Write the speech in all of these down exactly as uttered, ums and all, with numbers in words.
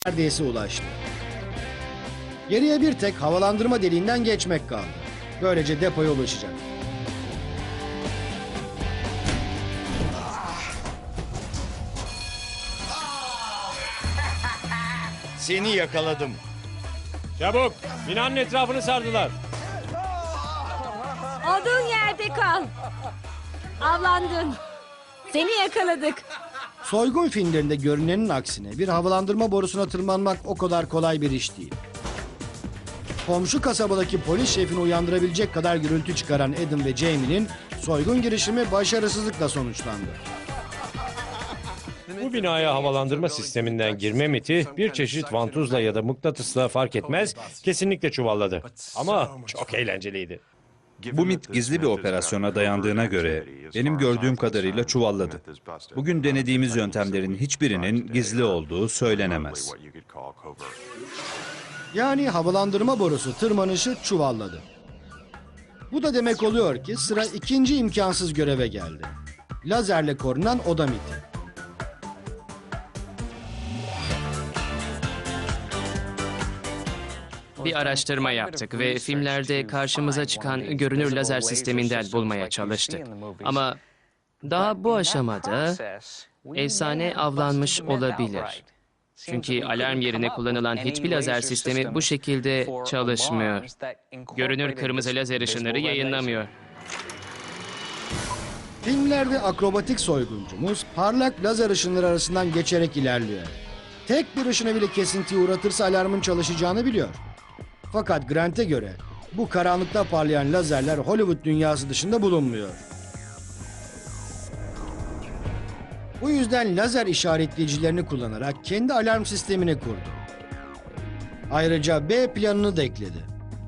neredeyse ulaştı. Geriye bir tek havalandırma deliğinden geçmek kaldı. Böylece depoya ulaşacak. Seni yakaladım. Çabuk! Binanın etrafını sardılar. Olduğun yerde kal. Avlandın. Seni yakaladık. Soygun filmlerinde görünenin aksine bir havalandırma borusuna tırmanmak o kadar kolay bir iş değil. Komşu kasabadaki polis şefini uyandırabilecek kadar gürültü çıkaran Adam ve Jamie'nin soygun girişimi başarısızlıkla sonuçlandı. Bu binaya havalandırma sisteminden girme miti bir çeşit vantuzla ya da mıknatısla fark etmez kesinlikle çuvalladı. Ama çok eğlenceliydi. Bu mit gizli bir operasyona dayandığına göre benim gördüğüm kadarıyla çuvalladı. Bugün denediğimiz yöntemlerin hiçbirinin gizli olduğu söylenemez. Yani havalandırma borusu tırmanışı çuvalladı. Bu da demek oluyor ki sıra ikinci imkansız göreve geldi. Lazerle korunan oda miti. Bir araştırma yaptık ve filmlerde karşımıza çıkan görünür lazer sisteminden bulmaya çalıştık. Ama daha bu aşamada efsane avlanmış olabilir. Çünkü alarm yerine kullanılan hiçbir lazer sistemi bu şekilde çalışmıyor. Görünür kırmızı lazer ışınları yayınlamıyor. Filmlerde akrobatik soyguncumuz parlak lazer ışınları arasından geçerek ilerliyor. Tek bir ışını bile kesintiye uğratırsa alarmın çalışacağını biliyor. Fakat Grant'e göre bu karanlıkta parlayan lazerler Hollywood dünyası dışında bulunmuyor. Bu yüzden lazer işaretleyicilerini kullanarak kendi alarm sistemini kurdu. Ayrıca B planını da ekledi.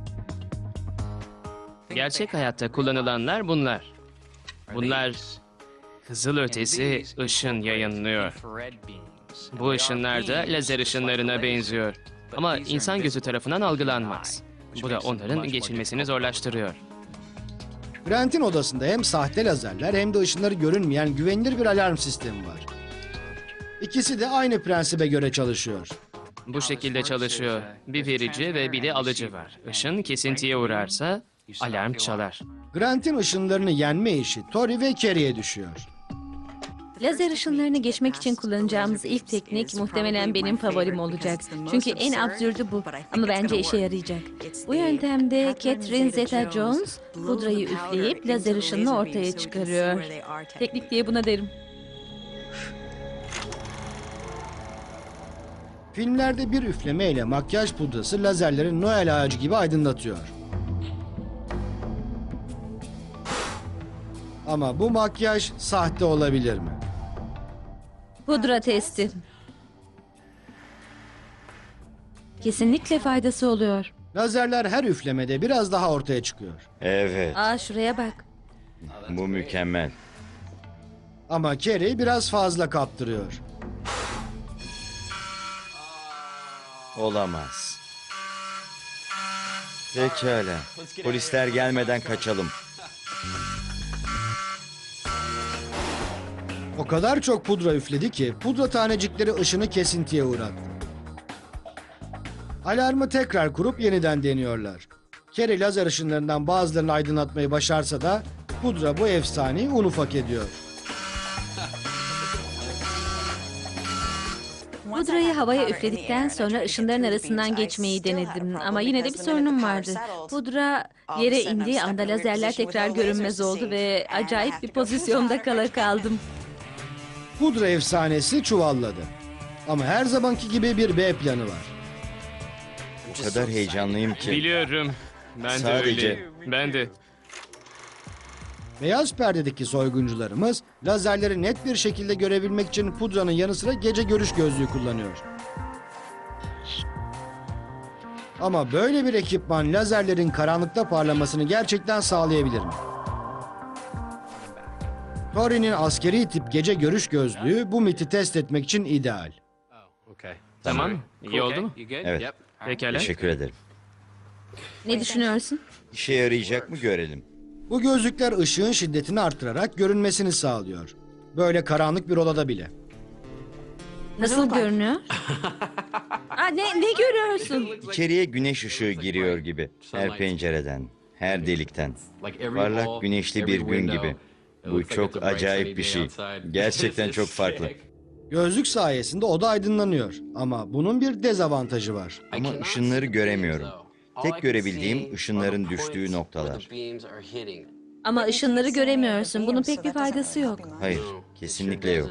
Gerçek hayatta kullanılanlar bunlar. Bunlar kızılötesi ışın yayınlıyor. Bu ışınlar da lazer ışınlarına benziyor. Ama insan gözü tarafından algılanmaz. Bu da onların geçilmesini zorlaştırıyor. Grant'in odasında hem sahte lazerler hem de ışınları görünmeyen güvenilir bir alarm sistemi var. İkisi de aynı prensibe göre çalışıyor. Bu şekilde çalışıyor. Bir verici ve bir de alıcı var. Işın kesintiye uğrarsa alarm çalar. Grant'in ışınlarını yenme işi Tori ve Carrie'ye düşüyor. Lazer ışınlarını geçmek için kullanacağımız ilk teknik muhtemelen benim favorim olacak. Çünkü en absürdü bu ama bence işe yarayacak. Bu yöntemde Catherine Zeta-Jones pudrayı üfleyip lazer ışınını ortaya çıkarıyor. Teknik diye buna derim. Filmlerde bir üflemeyle makyaj pudrası lazerleri Noel ağacı gibi aydınlatıyor. Ama bu makyaj sahte olabilir mi? Pudra testi. Kesinlikle faydası oluyor. Lazerler her üflemede biraz daha ortaya çıkıyor. Evet, Aa şuraya bak. bu mükemmel. Ama Carrie biraz fazla kaptırıyor. Olamaz. Pekala. Polisler gelmeden kaçalım. O kadar çok pudra üfledi ki pudra tanecikleri ışını kesintiye uğrattı. Alarmı tekrar kurup yeniden deniyorlar. Carrie lazer ışınlarından bazılarını aydınlatmayı başarsa da pudra bu efsaneyi un ufak ediyor. Pudrayı havaya üfledikten sonra ışınların arasından geçmeyi denedim ama yine de bir sorunum vardı. Pudra yere indiği anda lazerler tekrar görünmez oldu ve acayip bir pozisyonda kala kaldım. Pudra efsanesi çuvalladı. Ama her zamanki gibi bir B planı var. O kadar heyecanlıyım ki. Biliyorum. Ben de Sadece- öyleyim. Ben de. Beyaz perdedeki soyguncularımız lazerleri net bir şekilde görebilmek için pudranın yanı sıra gece görüş gözlüğü kullanıyor. Ama böyle bir ekipman lazerlerin karanlıkta parlamasını gerçekten sağlayabilir mi? Tori'nin askeri tip gece görüş gözlüğü bu miti test etmek için ideal. Tamam. İyi oldu mu? Evet, Pekala. teşekkür ederim. Ne düşünüyorsun? İşe yarayacak mı görelim. Bu gözlükler ışığın şiddetini artırarak görünmesini sağlıyor. Böyle karanlık bir odada bile. Nasıl görünüyor? Aa, ne, ne görüyorsun? İçeriye güneş ışığı giriyor gibi. Her pencereden, her delikten. Parlak güneşli bir gün gibi. Bu çok acayip bir şey. Gerçekten çok farklı. Gözlük sayesinde oda aydınlanıyor. Ama bunun bir dezavantajı var. Ama ışınları göremiyorum. Tek görebildiğim ışınların düştüğü noktalar. Ama ışınları göremiyorsun. Bunun pek bir faydası yok. Hayır, kesinlikle yok.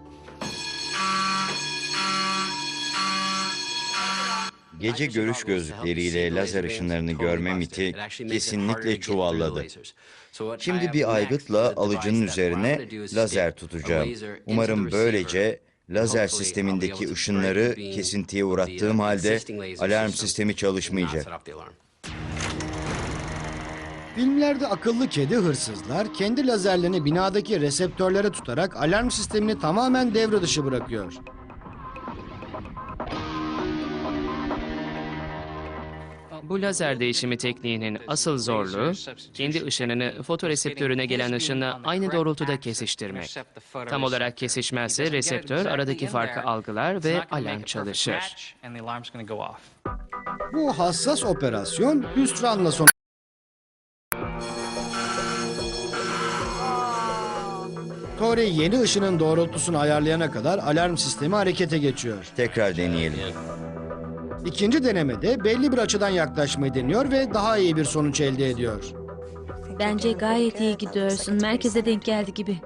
Gece görüş gözlükleriyle lazer ışınlarını görme miti kesinlikle çuvalladı. Şimdi bir aygıtla alıcının üzerine lazer tutacağım. Umarım böylece lazer sistemindeki ışınları kesintiye uğrattığım halde alarm sistemi çalışmayacak. Filmlerde akıllı kedi hırsızlar kendi lazerlerini binadaki reseptörlere tutarak alarm sistemini tamamen devre dışı bırakıyor. Bu lazer değişimi tekniğinin asıl zorluğu, kendi ışınını fotoreseptörüne gelen ışınla aynı doğrultuda kesiştirmek. Tam olarak kesişmezse reseptör aradaki farkı algılar ve alarm çalışır. Bu hassas operasyon hüsranla son. Tori yeni ışının doğrultusunu ayarlayana kadar alarm sistemi harekete geçiyor. Tekrar deneyelim. İkinci denemede belli bir açıdan yaklaşmayı deniyor ve daha iyi bir sonuç elde ediyor. Bence gayet iyi gidiyorsun. Merkeze denk geldi gibi.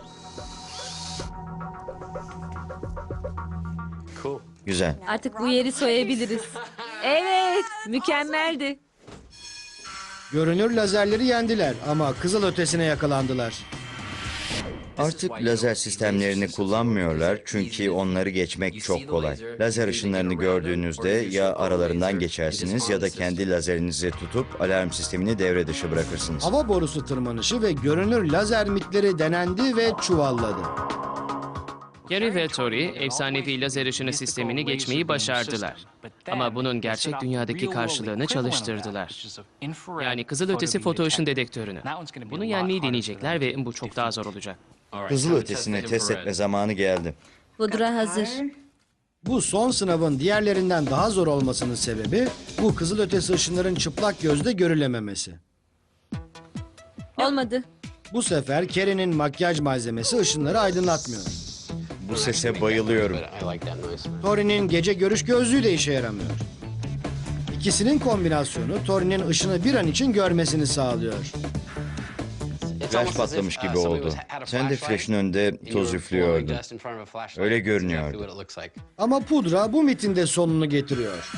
Güzel. Artık bu yeri soyabiliriz. Evet, mükemmeldi. Görünür lazerleri yendiler ama kızılötesine yakalandılar. Artık lazer sistemlerini kullanmıyorlar çünkü onları geçmek çok kolay. Lazer ışınlarını gördüğünüzde ya aralarından geçersiniz ya da kendi lazerinizi tutup alarm sistemini devre dışı bırakırsınız. Hava borusu tırmanışı ve görünür lazer mitleri denendi ve çuvalladı. Gary ve Tori, efsanevi lazer ışını sistemini geçmeyi başardılar. Ama bunun gerçek dünyadaki karşılığını çalıştırdılar. Yani kızılötesi foto ışın dedektörünü. Bunu yenmeyi deneyecekler ve bu çok daha zor olacak. Kızılötesini test etme zamanı geldi. Pudra hazır. Bu son sınavın diğerlerinden daha zor olmasının sebebi bu kızılötesi ışınların çıplak gözle görülememesi. Olmadı. Bu sefer Kerry'nin makyaj malzemesi ışınları aydınlatmıyor. Bu sese bayılıyorum. Tori'nin gece görüş gözlüğü de işe yaramıyor. İkisinin kombinasyonu Tori'nin ışını bir an için görmesini sağlıyor. Flash patlamış gibi oldu. Sen de flash'ın önünde toz üflüyordun. Öyle görünüyordu. Ama pudra bu mitin de sonunu getiriyor.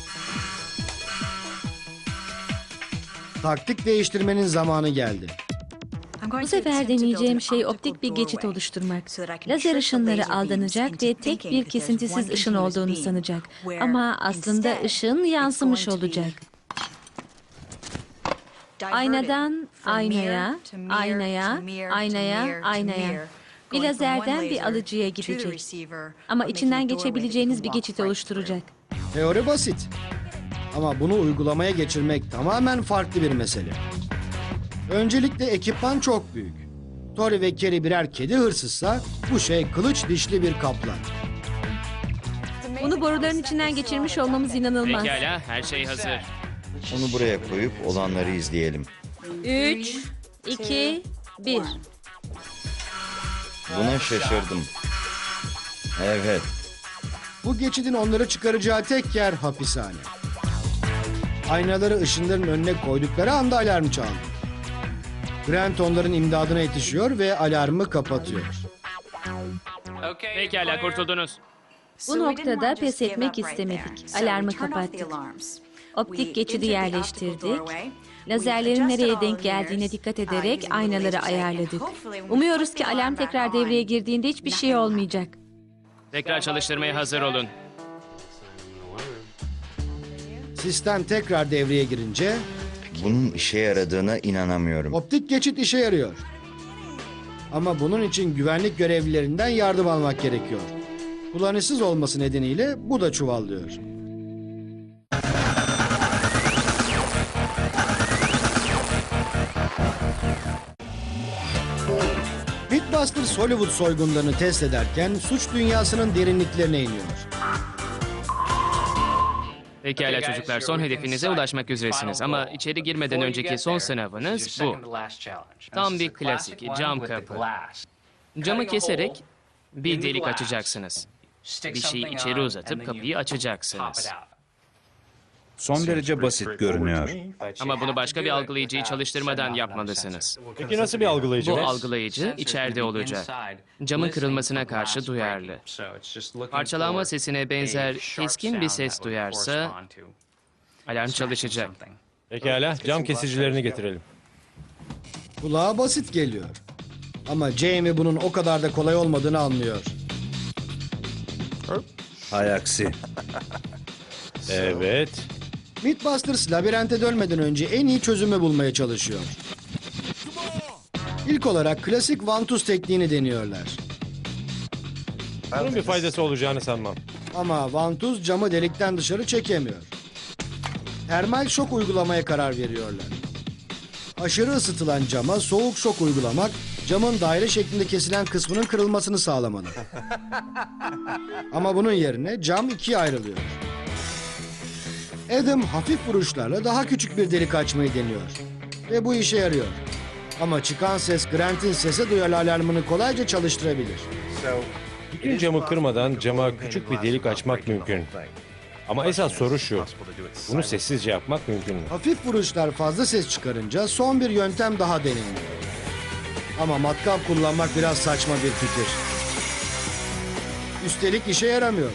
Taktik değiştirmenin zamanı geldi. Bu sefer deneyeceğim şey optik bir geçit oluşturmak. Lazer ışınları aldanacak ve tek bir kesintisiz ışın olduğunu sanacak. Ama aslında ışın yansımış olacak. Aynadan aynaya, aynaya, aynaya, aynaya. Bir lazerden bir alıcıya gidecek. Ama içinden geçebileceğiniz bir geçit oluşturacak. Teori basit. Ama bunu uygulamaya geçirmek tamamen farklı bir mesele. Öncelikle ekipman çok büyük. Tori ve Kerry birer kedi hırsızsa bu şey kılıç dişli bir kaplan. Bunu boruların içinden geçirmiş olmamız inanılmaz. Pekala, her şey hazır. Onu buraya koyup olanları izleyelim. Üç, iki, bir. Buna şaşırdım. Evet. Bu geçidin onları çıkaracağı tek yer hapishane. Aynaları ışınların önüne koydukları anda alarm çaldı. Grant onların imdadına yetişiyor ve alarmı kapatıyor. Pekala, kurtuldunuz. Bu noktada pes etmek istemedik. Alarmı kapattık. Optik geçidi yerleştirdik. Lazerlerin nereye denk geldiğine dikkat ederek aynaları ayarladık. Umuyoruz ki alarm tekrar devreye girdiğinde hiçbir şey olmayacak. Tekrar çalıştırmaya hazır olun. Sistem tekrar devreye girince Bunun işe yaradığına inanamıyorum. optik geçit işe yarıyor. Ama bunun için güvenlik görevlilerinden yardım almak gerekiyor. Kullanışsız olması nedeniyle bu da çuvallıyor. Mythbusters Hollywood soygunlarını test ederken suç dünyasının derinliklerine iniyor. Pekala çocuklar, son hedefinize ulaşmak üzeresiniz ama içeri girmeden önceki son sınavınız bu. Tam bir klasik, cam kapı. Camı keserek bir delik açacaksınız. Bir şeyi içeri uzatıp kapıyı açacaksınız. Son derece basit görünüyor. Ama bunu başka bir algılayıcıyı çalıştırmadan yapmalısınız. Peki nasıl bir algılayıcı? Bu algılayıcı içeride olacak. Camın kırılmasına karşı duyarlı. Parçalanma sesine benzer keskin bir ses duyarsa alarm çalışacak. Pekala, cam kesicilerini getirelim. Kulağa basit geliyor. Ama Jamie bunun o kadar da kolay olmadığını anlıyor. Hay aksi. Evet. Mythbusters labirente dönmeden önce en iyi çözümü bulmaya çalışıyor. İlk olarak klasik vantuz tekniğini deniyorlar. Bunun bir faydası olacağını sanmam. Ama vantuz camı delikten dışarı çekemiyor. Termal şok uygulamaya karar veriyorlar. Aşırı ısıtılan cama soğuk şok uygulamak, camın daire şeklinde kesilen kısmının kırılmasını sağlamalı. Ama bunun yerine cam ikiye ayrılıyor. Adam hafif vuruşlarla daha küçük bir delik açmayı deniyor. Ve bu işe yarıyor. Ama çıkan ses Grant'in sese duyarlı alarmını kolayca çalıştırabilir. Bütün camı kırmadan cama küçük bir delik açmak mümkün. Ama esas soru şu. Bunu sessizce yapmak mümkün mü? Hafif vuruşlar fazla ses çıkarınca son bir yöntem daha deneniyor. Ama matkap kullanmak biraz saçma bir fikir. Üstelik işe yaramıyor.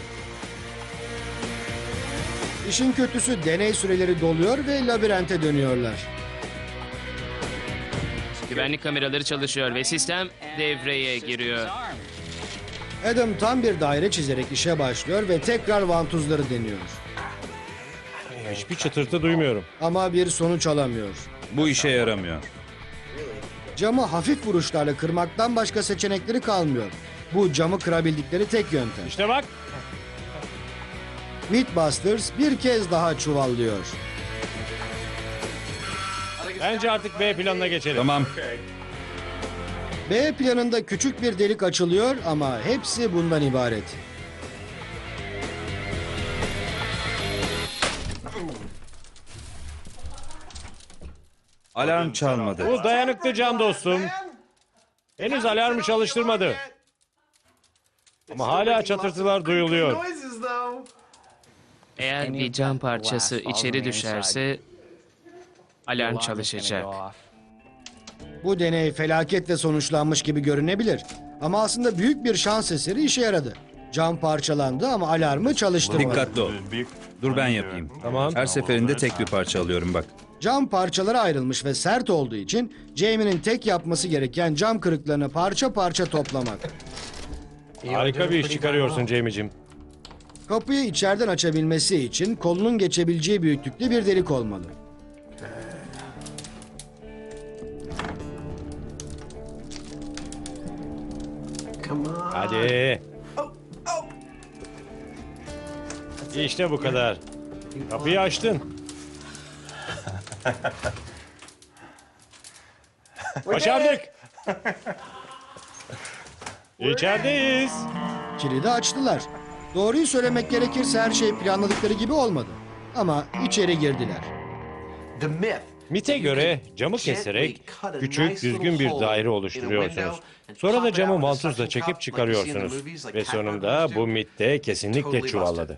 İşin kötüsü deney süreleri doluyor ve labirente dönüyorlar. Güvenlik kameraları çalışıyor ve sistem devreye giriyor. Adam tam bir daire çizerek işe başlıyor ve tekrar vantuzları deniyor. Hiçbir çıtırtı duymuyorum. Ama bir sonuç alamıyor. Bu işe yaramıyor. Camı hafif vuruşlarla kırmaktan başka seçenekleri kalmıyor. Bu camı kırabildikleri tek yöntem. İşte bak. Mythbusters bir kez daha çuvallıyor. Bence artık B planına geçelim. Tamam. B planında küçük bir delik açılıyor ama hepsi bundan ibaret. Alarm çalmadı. Bu dayanıklı cam dostum. Henüz alarmı çalıştırmadı. Ama hala çatırtılar duyuluyor. Eğer bir cam parçası içeri düşerse alarm çalışacak. Bu deney felaketle sonuçlanmış gibi görünebilir. Ama aslında büyük bir şans eseri işe yaradı. Cam parçalandı ama alarmı çalıştırmadı. Dikkatli ol. Dur ben yapayım. Tamam. Her seferinde tek bir parça alıyorum bak. Cam parçalara ayrılmış ve sert olduğu için Jamie'nin tek yapması gereken cam kırıklarını parça parça toplamak. Harika bir iş çıkarıyorsun Jamie'cim. Kapıyı içeriden açabilmesi için kolunun geçebileceği büyüklükte bir delik olmalı. Hadi. İşte bu kadar. Kapıyı açtın. Başardık. İçerideyiz. Kilidi açtılar. Doğruyu söylemek gerekirse her şey planladıkları gibi olmadı. Ama içeri girdiler. MIT'e göre camı keserek küçük, düzgün bir daire oluşturuyorsunuz. Sonra da camı vantuzla çekip çıkarıyorsunuz. Ve sonunda bu MIT'te kesinlikle çuvalladı.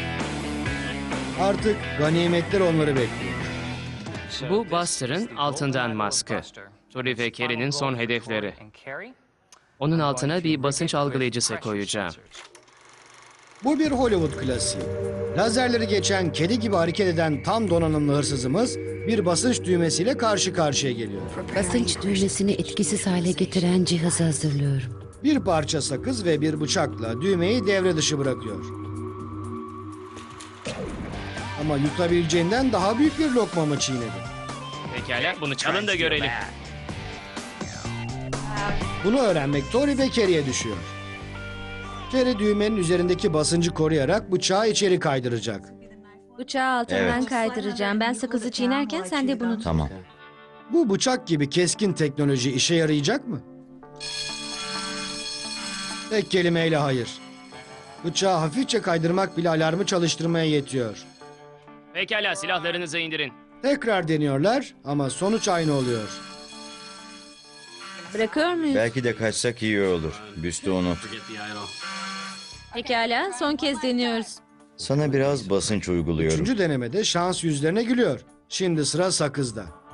Artık ganimetler onları bekliyor. Bu Buster'ın altından maskı. Tori ve Carrie'nin son hedefleri. Onun altına bir basınç algılayıcısı koyacağım. Bu bir Hollywood klasiği. Lazerleri geçen kedi gibi hareket eden tam donanımlı hırsızımız bir basınç düğmesiyle karşı karşıya geliyor. Basınç düğmesini etkisiz hale getiren cihazı hazırlıyorum. Bir parça sakız ve bir bıçakla düğmeyi devre dışı bırakıyor. Ama yutabileceğinden daha büyük bir lokma mı çiğnedi? Pekala, bunu çalın da görelim. Bunu öğrenmek Tori ve Carrie'ye düşüyor. Carrie düğmenin üzerindeki basıncı koruyarak bıçağı içeri kaydıracak. Bıçağı altından Evet. kaydıracağım. Ben sakızı çiğnerken sen de bunu tut. Tamam. Bu bıçak gibi keskin teknoloji işe yarayacak mı? Tek kelimeyle hayır. Bıçağı hafifçe kaydırmak bile alarmı çalıştırmaya yetiyor. Pekala, silahlarınızı indirin. Tekrar deniyorlar ama sonuç aynı oluyor. Bırakıyor muyuz? Belki de kaçsak iyi olur. Büstü unut. Pekala, son kez deniyoruz. Sana biraz basınç uyguluyorum. Üçüncü denemede şans yüzlerine gülüyor. Şimdi sıra sakızda.